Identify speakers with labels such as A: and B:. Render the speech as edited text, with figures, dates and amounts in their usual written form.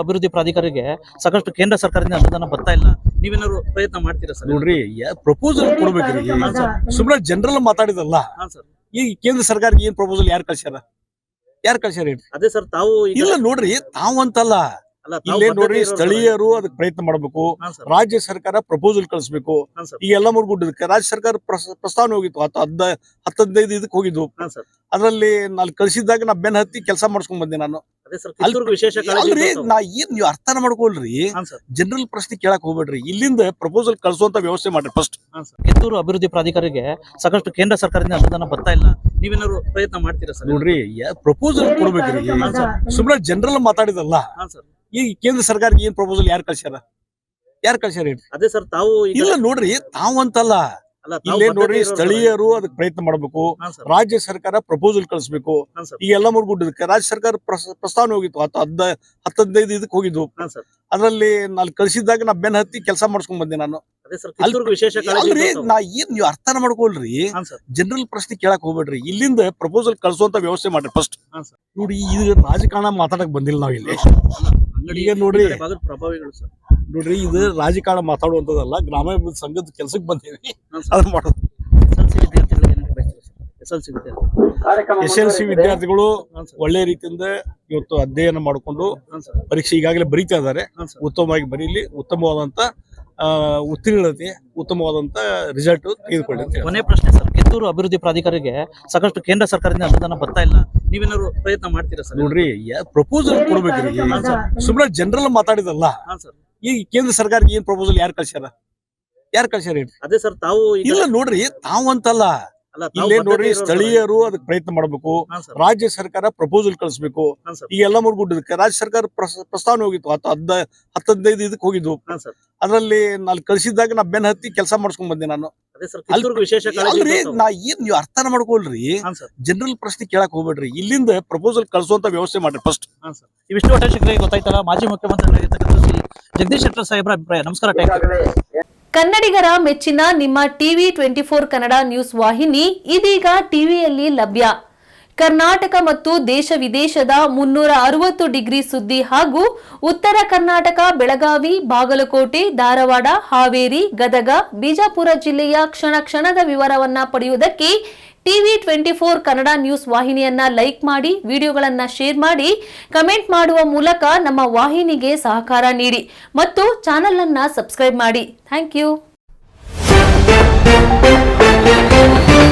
A: ಅಭಿವೃದ್ಧಿ ಪ್ರಾಧಿಕಾರಿಗೆ ಸಾಕಷ್ಟು ಕೇಂದ್ರ ಸರ್ಕಾರದಿಂದ ಅನುದಾನ ಬರ್ತಾ ಇಲ್ಲ. ನೀವೇನಾದ್ರು ಪ್ರಯತ್ನ ಮಾಡ್ತೀರಾ ಸರ್?
B: ನೋಡ್ರಿ, ಪ್ರಪೋಸಲ್ ಕೊಡ್ಬೇಕ್ರಿ. ಸುಮ್ಮನೆ ಜನರಲ್ ಮಾತಾಡಿದಲ್ಲ. ಈ ಕೇಂದ್ರ ಸರ್ಕಾರಕ್ಕೆ ಏನ್ ಪ್ರಪೋಸಲ್ ಯಾರು ಕಳ್ಸ್ಯಾರ ಹೇಳಿ?
A: ಅದೇ ಸರ್, ತಾವು
B: ಇಲ್ಲ ನೋಡ್ರಿ, ತಾವಂತಲ್ಲ, ಇಲ್ಲೇ ನೋಡ್ರಿ, ಸ್ಥಳೀಯರು ಅದಕ್ಕೆ ಪ್ರಯತ್ನ ಮಾಡಬೇಕು. ರಾಜ್ಯ ಸರ್ಕಾರ ಪ್ರಪೋಸಲ್ ಕಳಿಸ್ಬೇಕು. ಈಗ ಎಲ್ಲ ಮುರ್ಗುಡ್ಡದಕ್ಕೆ ರಾಜ್ಯ ಸರ್ಕಾರ ಪ್ರಸ್ತಾವನೆ ಹೋಗಿತ್ತು, 10-15 ಇದಕ್ಕೆ ಹೋಗಿದ್ವು. ಅದ್ರಲ್ಲಿ ನಾನು ಕಳ್ಸಿದಾಗ ನಾ ಬೆನ್ ಹತ್ತಿ ಕೆಲಸ ಮಾಡ್ಸ್ಕೊಂಡ್ ಬಂದೆ ನಾನು. ಅಲ್ರಿ, ನಾ ಏನ್ ನೀವು ಅರ್ಥನ ಮಾಡ್ಕೊಳ್ರಿ, ಜನರಲ್ ಪ್ರಶ್ನೆ ಕೇಳಕ್ ಹೋಗ್ಬೇಡ್ರಿ. ಇಲ್ಲಿಂದ ಪ್ರಪೋಸಲ್ ಕಳ್ಸುವಂತ ವ್ಯವಸ್ಥೆ ಮಾಡ್ರಿ ಫಸ್ಟ್.
A: ಕಿತ್ತೂರು ಅಭಿವೃದ್ಧಿ ಪ್ರಾಧಿಕಾರಿಗೆ ಸಾಕಷ್ಟು ಕೇಂದ್ರ ಸರ್ಕಾರದಿಂದ ಅನುದಾನ ಬರ್ತಾ ಇಲ್ಲ. ನೀವೇನಾದ್ರು ಪ್ರಯತ್ನ ಮಾಡ್ತೀರಾ ಸರ್?
B: ನೋಡ್ರಿ, ಪ್ರಪೋಸಲ್ ಕೊಡ್ಬೇಕ್ರಿ. ಸುಮ್ಮನೆ ಜನರಲ್ ಮಾತಾಡಿದಲ್ಲ. ಈ ಕೇಂದ್ರ ಸರ್ಕಾರಕ್ಕೆ ಏನ್ ಪ್ರಪೋಸಲ್ ಯಾರು ಕಳ್ಸ್ಯಾರ ಹೇಳಿ? ಅದೇ
A: ಸರ್, ತಾವು
B: ಇಲ್ಲ ನೋಡ್ರಿ, ತಾವಂತಲ್ಲ, ಇಲ್ಲೇ ನೋಡ್ರಿ, ಸ್ಥಳೀಯರು ಅದಕ್ಕೆ ಪ್ರಯತ್ನ ಮಾಡಬೇಕು. ರಾಜ್ಯ ಸರ್ಕಾರ ಪ್ರಪೋಸಲ್ ಕಳಿಸ್ಬೇಕು. ಈಗ ಎಲ್ಲ ಮುರ್ಗುಡ್ಡದಕ್ಕೆ ರಾಜ್ಯ ಸರ್ಕಾರ ಪ್ರಸ್ತಾವನೆ ಹೋಗಿತ್ತು, 10-15 ಇದಕ್ಕೆ ಹೋಗಿದ್ವು. ಅದ್ರಲ್ಲಿ ನಾನು ಕಳ್ಸಿದಾಗ ನಾ ಬೆನ್ ಹತ್ತಿ ಕೆಲಸ ಮಾಡ್ಸ್ಕೊಂಡ್ ಬಂದೆ ನಾನು. ಅಲ್ರಿ, ನಾ ಏನ್ ನೀವು ಅರ್ಥನ ಮಾಡ್ಕೊಳ್ರಿ, ಜನರಲ್ ಪ್ರಶ್ನೆ ಕೇಳಕ್ ಹೋಗ್ಬೇಡ್ರಿ. ಇಲ್ಲಿಂದ ಪ್ರಪೋಸಲ್ ಕಳ್ಸುವಂತ ವ್ಯವಸ್ಥೆ ಮಾಡ್ರಿ ಫಸ್ಟ್. ನೋಡಿ, ಇದು ರಾಜಕಾರಣ ಮಾತಾಡಕ್ ಬಂದಿಲ್ಲ ನಾವ್ ಇಲ್ಲಿ. ಈಗ ನೋಡ್ರಿ, ನೋಡ್ರಿ, ಇದು ರಾಜಕಾರಣ ಮಾತಾಡುವಂತದಲ್ಲ, ಗ್ರಾಮೀಣ ಸಂಘದ ಕೆಲ್ಸಕ್ಕೆ ಬಂದೇವಿ, ಅದನ್ನ ಮಾಡೋದು. SLC ವಿದ್ಯಾರ್ಥಿಗಳು ಒಳ್ಳೆ ರೀತಿಯಿಂದ ಇವತ್ತು ಅಧ್ಯಯನ ಮಾಡಿಕೊಂಡು ಪರೀಕ್ಷೆ ಈಗಾಗಲೇ ಬರೀತಾ ಇದ್ದಾರೆ. ಉತ್ತಮವಾಗಿ ಬರೀಲಿ, ಉತ್ತಮವಾದಂತ ಉತ್ತೀರ್ಣತೆ, ಉತ್ತಮವಾದಂತ ರಿಸಲ್ಟ್ ತೆಗೆದುಕೊಳ್ಳಿ ಅಂತ.
A: ಕೊನೆ ಪ್ರಶ್ನೆ ಸರ್, ಕಿತ್ತೂರು ಅಭಿವೃದ್ಧಿ ಪ್ರಾಧಿಕಾರಿಗೆ ಸಾಕಷ್ಟು ಕೇಂದ್ರ ಸರ್ಕಾರದಿಂದ ಅನುದಾನ ಬರ್ತಾ ಇಲ್ಲ. ನೀವೇನಾದ್ರು ಪ್ರಯತ್ನ ಮಾಡ್ತೀರಾ ಸರ್?
B: ನೋಡ್ರಿ, ಪ್ರಪೋಸಲ್ ಕೊಡ್ಬೇಕ್ರಿ. ಸುಮ್ಮನೆ ಜನರಲ್ ಮಾತಾಡಿದಲ್ಲ. ಈ ಕೇಂದ್ರ ಸರ್ಕಾರಕ್ಕೆ ಏನ್ ಪ್ರಪೋಸಲ್ ಯಾರು ಕಳ್ಸ್ಯಾರ ಹೇಳಿ?
A: ಅದೇ ಸರ್, ತಾವು
B: ಇಲ್ಲ ನೋಡ್ರಿ, ತಾವಂತಲ್ಲ, ಇಲ್ಲೇ ನೋಡ್ರಿ, ಸ್ಥಳೀಯರು ಅದಕ್ಕೆ ಪ್ರಯತ್ನ ಮಾಡಬೇಕು. ರಾಜ್ಯ ಸರ್ಕಾರ ಪ್ರಪೋಸಲ್ ಕಳಿಸ್ಬೇಕು. ಈಗ ಎಲ್ಲ ಮುರ್ಗುಡ್ಡದಕ್ಕೆ ರಾಜ್ಯ ಸರ್ಕಾರ ಪ್ರಸ್ತಾವನೆ ಹೋಗಿತ್ತು, 10-15 ಇದಕ್ಕೆ ಹೋಗಿದ್ವು. ಅದ್ರಲ್ಲಿ ನಾನು ಕಳ್ಸಿದಾಗ ನಾ ಬೆನ್ ಹತ್ತಿ ಕೆಲಸ ಮಾಡ್ಸ್ಕೊಂಡ್ ಬಂದೆ ನಾನು. ಅಲ್ರಿ, ನಾ ಏನ್ ನೀವು ಅರ್ಥನ ಮಾಡ್ಕೊಳ್ರಿ, ಜನರಲ್ ಪ್ರಶ್ನೆ ಕೇಳಕ್ ಹೋಗ್ಬೇಡ್ರಿ. ಇಲ್ಲಿಂದ ಪ್ರಪೋಸಲ್ ಕಳ್ಸುವಂತ ವ್ಯವಸ್ಥೆ ಮಾಡ್ರಿ ಫಸ್ಟ್.
A: ಇವಿಷ್ಟು ಒಟ್ಟ ಶಿಕ್ಷಕರಿಗೆ ಗೊತ್ತಾಯ್ತಲ್ಲ, ಮಾಜಿ ಮುಖ್ಯಮಂತ್ರಿಗಳಾಗಿರ್ತಕ್ಕಂಥ ಶ್ರೀ ಜಗದೀಶ್ ಶೆಟ್ಟರ್ ಸಾಹೇಬ್ರ ಅಭಿಪ್ರಾಯ. ನಮಸ್ಕಾರ.
C: ಕನ್ನಡಿಗರ ಮೆಚ್ಚಿನ ನಿಮ್ಮ ಟಿವಿ 24 ಕನ್ನಡ ನ್ಯೂಸ್ ವಾಹಿನಿ ಇದೀಗ ಟಿವಿಯಲ್ಲಿ ಲಭ್ಯ. ಕರ್ನಾಟಕ ಮತ್ತು ದೇಶ ವಿದೇಶದ 360 ಡಿಗ್ರಿ ಸುದ್ದಿ ಹಾಗೂ ಉತ್ತರ ಕರ್ನಾಟಕ, ಬೆಳಗಾವಿ, ಬಾಗಲಕೋಟೆ, ಧಾರವಾಡ, ಹಾವೇರಿ, ಗದಗ, ಬಿಜಾಪುರ ಜಿಲ್ಲೆಯ ಕ್ಷಣ ಕ್ಷಣದ ವಿವರವನ್ನ ಪಡೆಯುವುದಕ್ಕೆ ಟಿವಿ 24 ಕನ್ನಡ ನ್ಯೂಸ್ ವಾಹಿನಿಯನ್ನ ಲೈಕ್ ಮಾಡಿ, ವಿಡಿಯೋಗಳನ್ನ ಶೇರ್ ಮಾಡಿ, ಕಮೆಂಟ್ ಮಾಡುವ ಮೂಲಕ ನಮ್ಮ ವಾಹಿನಿಗೆ ಸಹಕಾರ ನೀಡಿ ಮತ್ತು ಚಾನೆಲ್ ಅನ್ನ ಸಬ್ಸ್ಕ್ರೈಬ್ ಮಾಡಿ. Thank you.